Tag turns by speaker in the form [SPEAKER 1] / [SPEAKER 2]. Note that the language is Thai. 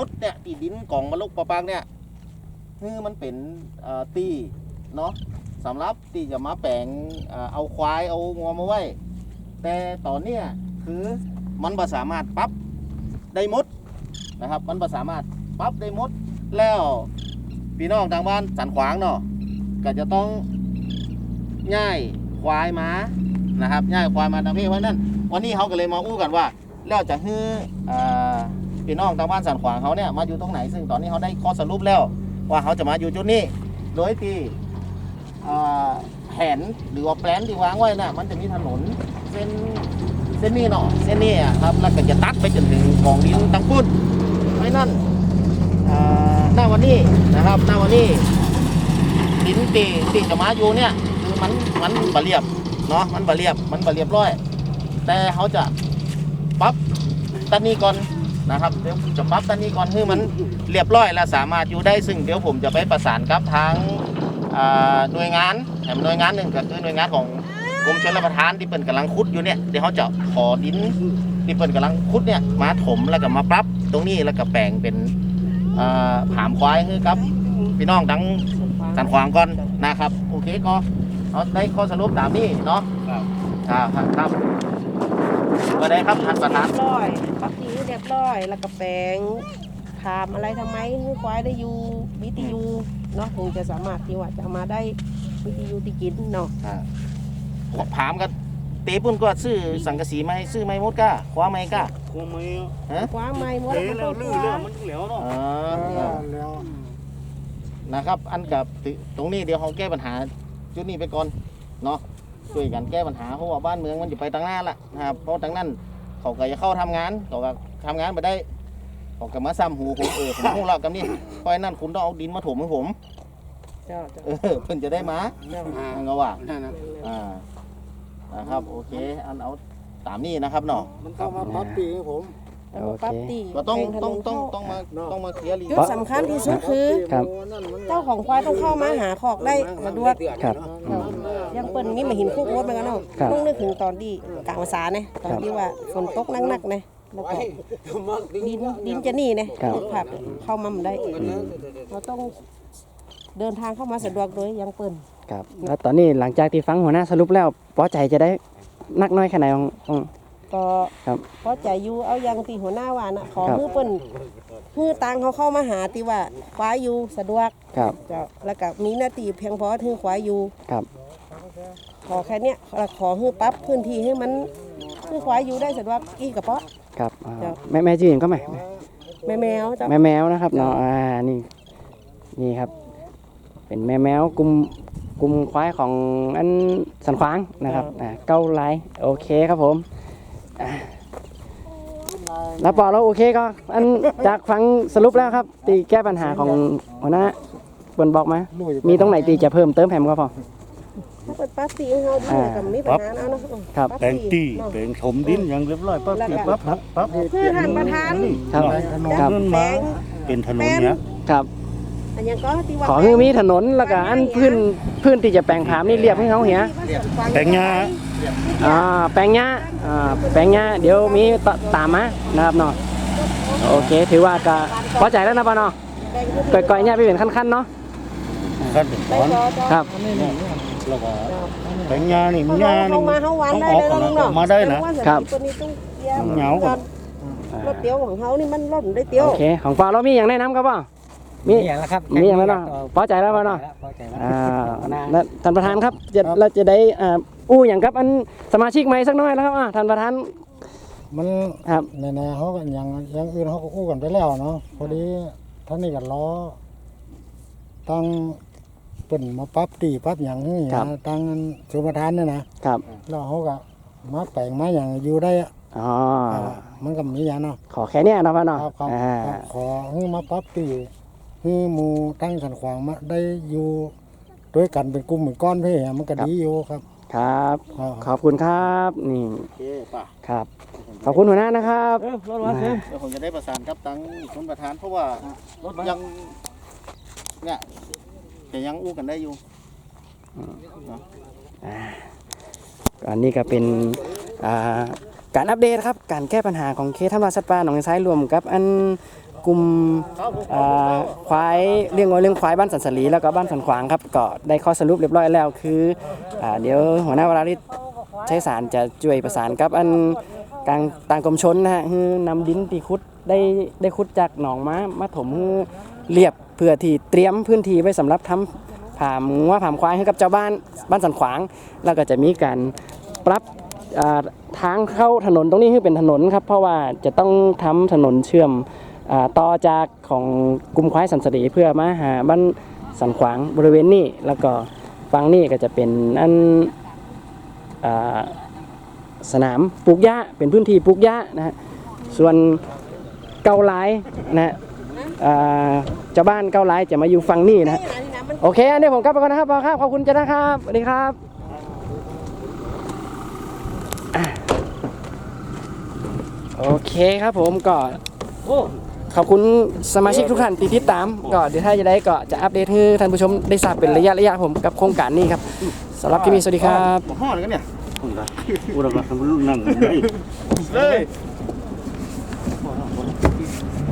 [SPEAKER 1] ดเนี่ยตีดินกล่องมาลุกปะปังเนี่ยคือมันเป็นตีเนาะสำหรับที่จะมาแปลงเอาควายเอางัวมาไว้แต่ตอนเนี้ยคือมันบ่สามารถปรับได้หมดนะครับมันบ่สามารถปรับได้หมดแล้วพี่น้องทางบ้านสันขวางเนาะก็จะต้องย้ายควายมานะครับย้ายควายมาทางนี้เพราะนั้นวันนี้เขาก็เลยมาอู้กันว่าแล้วจะให้พี่น้องทางบ้านสันขวางเขาเนี่ยมาอยู่ตรงไหนซึ่งตอนนี้เขาได้ข้อสรุปแล้วว่าเขาจะมาอยู่จุดนี้โดยที่แผนหรือว่าแปลนที่วางไว้น่ะมันจะมีถนนเส้นนี้เนาะเส้นนี้ครับแล้วก็จะตัดไปจนถึงกองดินตังพุ่นเพราะนั้นหน้าวันนี้นะครับหน้าวันนี้ดินตีจะมาอยู่เนี่ยคือมันบะเรียบเนาะมันบะเรียบร้อยแต่เขาจะปรับตันนี้ก่อนนะครับเดี๋ยวจะปรับตันนี้ก่อนให้มันเรียบร้อยและสามารถอยู่ได้ซึ่งเดี๋ยวผมจะไปประสานกับทางหน่วยงานหน่วยงานหนึ่งก็คือหน่วยงานของกรมชลประทานที่เปิ่นกำลังขุดอยู่เนี่ยเดี๋ยวเขาจะขอดินที่เปิ่นกำลังขุดเนี่ยมาถมแล้วก็มาปรับตรงนี้แล้วก็แปลงเป็นผามควายให้ครับพี่น้องทั้งสันขวางก่อนนะครับโอเคก็เอาได้ข้อสรุปตามนี้เนาะครับก็ได้ครับท่านประธาน
[SPEAKER 2] เรียบร้อยปักทีเรียบร้อยแล้วก็แปลงถามอะไรทำไมให้ควายได้อยู่วิทยุเนาะถึงจะสามารถที่ว่าจะมาได้วิทยุที่กินเนาะ
[SPEAKER 1] ผามกันเตะปุ่นก็ซื้อสังกะสีไหมซื้อไม้มดก้าคว้าไม้ก้า
[SPEAKER 3] คว้าไม้
[SPEAKER 2] คว้าไม้มด
[SPEAKER 3] แล้วลื้อแล้วมันเหลวเนาะ
[SPEAKER 1] แล้วนะครับอันกับตรงนี้เดี๋ยวเขาแก้ปัญหาจุดนี้ไปก่อนเนาะช่วยกันแก้ปัญหาเพราะว่าบ้านเมืองมันอยู่ไปทางหน้าละนะครับเพราะทางนั้นเขาก็จะเข้าทำงานเขาก็ทำงานไปได้เขาก็มาซ้ำหูผมผมพูดเล่ากันนี่เพราะนั้นคุณต้องเอาดินมาถมให้ผมเพิ่นจะได้มาเงาว่านะครับโอเคอันเอาตามนี้นะครับเนาะ
[SPEAKER 3] มันต้องมาปรับปีให้ผม
[SPEAKER 2] ปั๊บตี
[SPEAKER 1] ก็ต้องมาเคลียร์
[SPEAKER 2] จุดสำคัญที่สุดคือเจ้าของควายต้องเข้ามาหาขอกได้มาด้วยยังเปิ้ลนี่มาหินคุกวัดไปกันเนาะต้องนึกถึงตอนที่กลางภาษาเนี่ยตอนที่ว่าฝนตกหนักๆเนี่ยแล้วก็ดินจะหนีเนี่ยผับเข้ามาได้เราต้องเดินทางเข้ามาสะดวกโดยยังเปิ้ล
[SPEAKER 4] ครับแล้วตอนนี้หลังจากที่ฟังหัวหน้าสรุปแล้วพอใจจะได้นักน้อยแค่ไหนของ
[SPEAKER 2] ก็พอใจอยู่เอายังตีหัวหน้าว่านะขอฮื้อเปิ้นฮื้อตังเขาเข้ามาหาตีว่าควายอยู่สะดวก
[SPEAKER 4] ครับ
[SPEAKER 2] แล้วก็มีหน้าที่เพียงพอฮื้อควายอยู่
[SPEAKER 4] ครับ
[SPEAKER 2] ขอแค่เนี้ยขอฮื้อปั๊บพื้นที่ให้มันฮื้อควายอยู่ได้สะดวกอีกกระเพาะ
[SPEAKER 4] ครับแม่จีนก็ไหม
[SPEAKER 2] แม่แมว
[SPEAKER 4] แม่แมวนะครับเนาะนี่ครับเป็นแม่แมวกลุ่มควายของอันสันขวางนะครับเก้าลายโอเคครับผมแล้วพอเราโอเคก็อันจากฟังสรุปแล้วครับตีแก้ปัญหาของหัวหน้าเปิ้นบอกมามีตรงไหนตีจะเพิ่มเติมแผมก็พอ
[SPEAKER 2] ถ้าเปิดปั๊บตีให้เราดีกับมีปัญหาเอานะครับ
[SPEAKER 3] แปลงตีแปลงถมดินอย่างเรียบร้อยปั๊บ
[SPEAKER 2] คือท่านประธาน
[SPEAKER 4] ครับ
[SPEAKER 3] เป็นถนนเนี้ย
[SPEAKER 4] ครับขอให้มีถนนแล้วก็อันพื้นที่จะแปลงผามนี่เรียบให้เขาเหี่ย
[SPEAKER 3] แปลงหญ้า
[SPEAKER 4] แปลงหญ้าเดี๋ยวมีตามมานะครับเนาะโอเคถือว่าก็พอใจแล้วนะป้าเนาะก่อยๆเนี่ยไปเป็นขั้นๆเนาะ
[SPEAKER 3] ขั้นเป็นตอน
[SPEAKER 4] ครับ
[SPEAKER 3] แล้วก็แปลงหญ้านี่หญ้านี่
[SPEAKER 2] มา
[SPEAKER 3] ได้
[SPEAKER 4] นะครับ
[SPEAKER 3] เหงาก่อน
[SPEAKER 2] รถเตี้ยวของเขานี่มันรถได้เตี้ยว
[SPEAKER 4] โอเคของป้าเรามีอย่างแนะนำครับป้ามี
[SPEAKER 5] อย่างแล้วครับ
[SPEAKER 4] มีอย่างแล้วเนาะพอใจแล้วป่ะเนาะท่านประธานครับเราจะได้อู้อย่างครับอันสมาชิกใหม่สักน้อยแล้วครับท่านประธาน
[SPEAKER 5] มัน
[SPEAKER 4] ครับ
[SPEAKER 5] ในเขากันอย่างอื่นเขาก็อู้กันไปแล้วเนาะพอดีท่านนี่กันล้อตั้งเป็นมาปั๊บตีปั๊บอย่างนี้นะตั้งสุประธานเนี่ยนะครับแล้วเขาก็มาแปลงมาอย่างอยู่ได้มันก็มีอย่างเนาะ
[SPEAKER 4] ขอแค่นี้นะพ่อเนาะ
[SPEAKER 5] ขอให้มาปั๊บตีคือหมู่ตั้งสันขวางมาได้อยู่ด้วยกันเป็นกลุ่มเหมือนก้อนเพื่อมันก็ดีอยู่ครับ
[SPEAKER 4] ครับขอบคุณครับนี่ครับขอบคุณหัวหน้านะครับ
[SPEAKER 1] เดี๋ยวผมจะได้ประสานกับตั้งชนประธานเพราะว่ายังเนี่ยจะยังอู้กันได้อยู่
[SPEAKER 4] อันนี้ก็เป็นการอัปเดตครับการแก้ปัญหาของเขตธรรมชาติสัตว์ป่าหนองไทรายรวมกับอันกลุ่มควายเลี้ยงวัวเลี้ยงควายบ้านสันสลีแล้วก็บ้านสันขวางครับก็ได้ข้อสรุปเรียบร้อยแล้วคือเดี๋ยวหัวหน้าวราริศใช้สารจะช่วยประสานกับอันกลางต่างกรมชนนะฮะคือนำดินตีขุดได้ขุดจากหนองมาถมเรียบเพื่อที่เตรียมพื้นที่ไว้สำหรับทำผามงัวผามควายให้กับเจ้าบ้านสันขวางแล้วก็จะมีการปรับทางเข้าถนนตรงนี้ให้เป็นถนนครับเพราะว่าจะต้องทำถนนเชื่อมต่อจากของกลุ่มควายสันสลีเพื่อมาหาบ้านสันขวางบริเวณนี้แล้วก็ฝั่งนี้ก็จะเป็นอันสนามปลูกหญ้าเป็นพื้นที่ปลูกหญ้านะฮะส่วนเกาไลนะเจ้าบ้านเกาไลจะมาอยู่ฝั่งนี้นะโอเคอันนี้ผมกลับไปก่อนนะครับขอบคุณจ้านะครับสวัสดีครับโอเคครับผมก็ขอบคุณสมาชิกทุกท่านที่ติดตามก็เดี๋ยวถ้าจะได้ก็จะอัปเดตให้ท่านผู้ชมได้ทราบเป็นระยะผมกับโครงการนี้ครับสำหรับคลิปนี้สวัสดีครับ
[SPEAKER 1] ห่อเลยกันเนี่ย
[SPEAKER 3] อุระกันรุ่นนั่งเลย